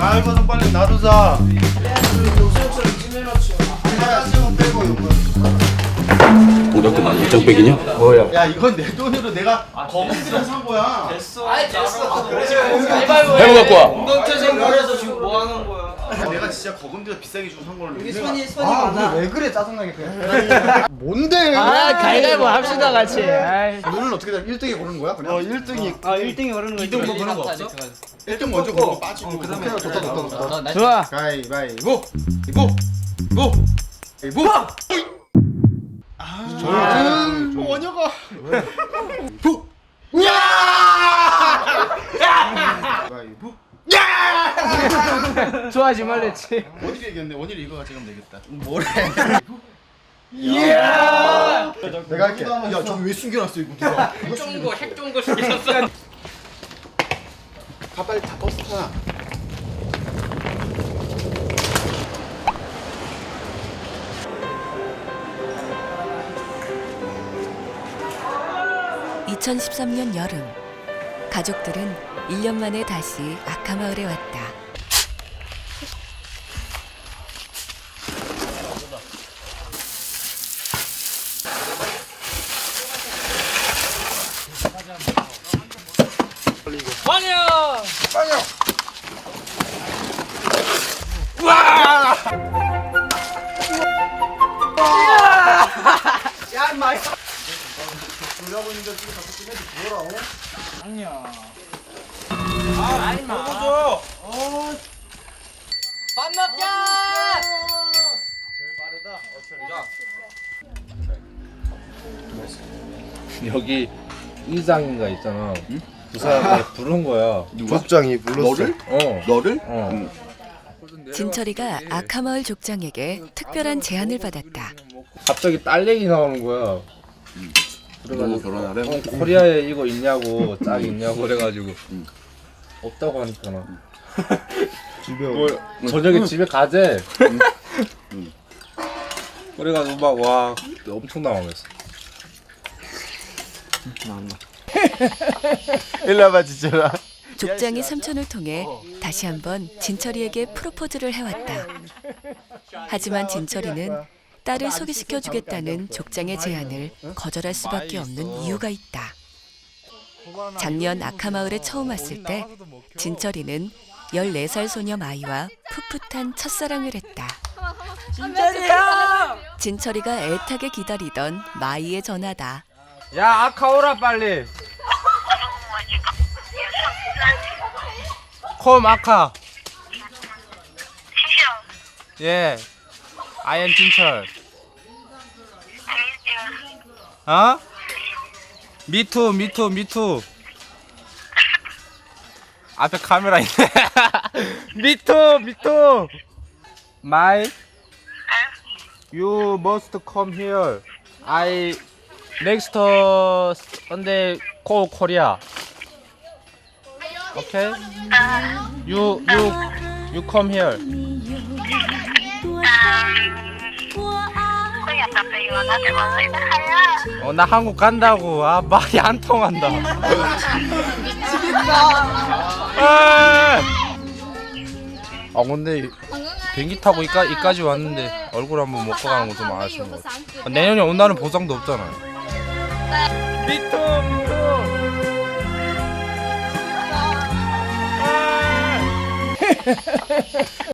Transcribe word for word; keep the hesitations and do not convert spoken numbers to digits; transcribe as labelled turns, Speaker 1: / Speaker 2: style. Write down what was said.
Speaker 1: 아 이거 좀 빨리 놔두자.
Speaker 2: 요소처럼 찜해놨죠.
Speaker 1: 하나씩은 빼고 이거.
Speaker 3: 오덕그만 일정백이냐?
Speaker 1: 뭐야? 야 이건 내 돈으로 내가 거기서 산 거야.
Speaker 2: 됐어. 아 됐어.
Speaker 3: 해보 갖고 와.
Speaker 2: 엉덩태 생각해서 지금 뭐 하는 거야?
Speaker 1: 내가 진짜 거금지에서 비싸게 주고 산 거를.
Speaker 2: 여기 손이 손이
Speaker 4: 아,
Speaker 2: 많아.
Speaker 4: 왜 그래 짜증나게 그냥. 뭔데?
Speaker 2: 아 가위가위보 합시다 같이. 아이.
Speaker 4: 눈은 어떻게 돼? 일 등이 고르는 거야? 그냥?
Speaker 1: 어 일 등이
Speaker 2: 아 일 등이 오르는 거. 이 등 뭐 그런 거 없어?
Speaker 1: 일 등 먼저 고르고 빠지고.
Speaker 4: 그다음에 좋다 좋다 좋다.
Speaker 2: 좋아.
Speaker 1: 가위바위보 이보 이보 이보. 아 저는 원효가. 부. 야! 가위바위보.
Speaker 2: 좋아하지 말랬지.
Speaker 1: 원일이 이겼네. 원일이 이거 가져가면 되겠다.
Speaker 4: 뭐래?
Speaker 2: 이야.
Speaker 4: 내가 할게. 야, 저기 왜 숨겨놨어 이거 누가?
Speaker 2: 핵 거, 핵 좋은 거 시켰어.
Speaker 1: 가 빨리 다 버스 타.
Speaker 5: 이천십삼 년 여름, 가족들은 일 년 만에 다시 아카마을에 왔다.
Speaker 2: 환영.
Speaker 4: 야, 인마. 놀라고 있는데 지금 자꾸 찜해도 부어라.
Speaker 2: 아니야. 아, 아니 먹어줘. 밥 먹자.
Speaker 6: 여기 이장인가 있잖아. 그 사람을 부른 거야.
Speaker 1: 족장이 불렀어. 너를?
Speaker 6: 어.
Speaker 1: 너를?
Speaker 6: 어.
Speaker 5: 진철이가 아카마을 족장에게 특별한 제안을 받았다.
Speaker 6: 갑자기 딸 얘기 나오는 거야.
Speaker 1: 누구 결혼하래?
Speaker 6: 어, 코리아에 이거 있냐고, 짝 있냐고 그래가지고 없다고 하니까 나.
Speaker 1: 집에
Speaker 6: 뭐, 저녁에 집에 가재. 그래가지고 막 와 엄청 당황했어.
Speaker 1: 일로 와봐 진짜라.
Speaker 5: 족장이 삼촌을 통해 다시 한번 진철이에게 프로포즈를 해왔다. 하지만 진철이는 딸을 소개시켜주겠다는 족장의 제안을 거절할 수밖에 없는 이유가 있다. 작년 아카마을에 처음 왔을 때 진철이는 열네 살 소녀 마이와 풋풋한 첫사랑을 했다.
Speaker 2: 진짜리야.
Speaker 5: 진철이가 애타게 기다리던 마이의 전화다.
Speaker 6: 야 아카 오라 빨리. 콤 아카. 예. I am 진철. 어? 미투 미투 미투. 앞에 카메라 있네. 미투 미투. My You must come here. I next Sunday call Korea. Okay? You you you come here. 어, 나 한국 간다고. 아, 말이 안 통한다. 미치겠다. 아, 근데 비행기 타고 이까, 이까지 왔는데 얼굴 한번 먹고 가는 거 좀 아쉬운 것 같아. 아, 내년에 온다는 보장도 없잖아요. 미투 미투.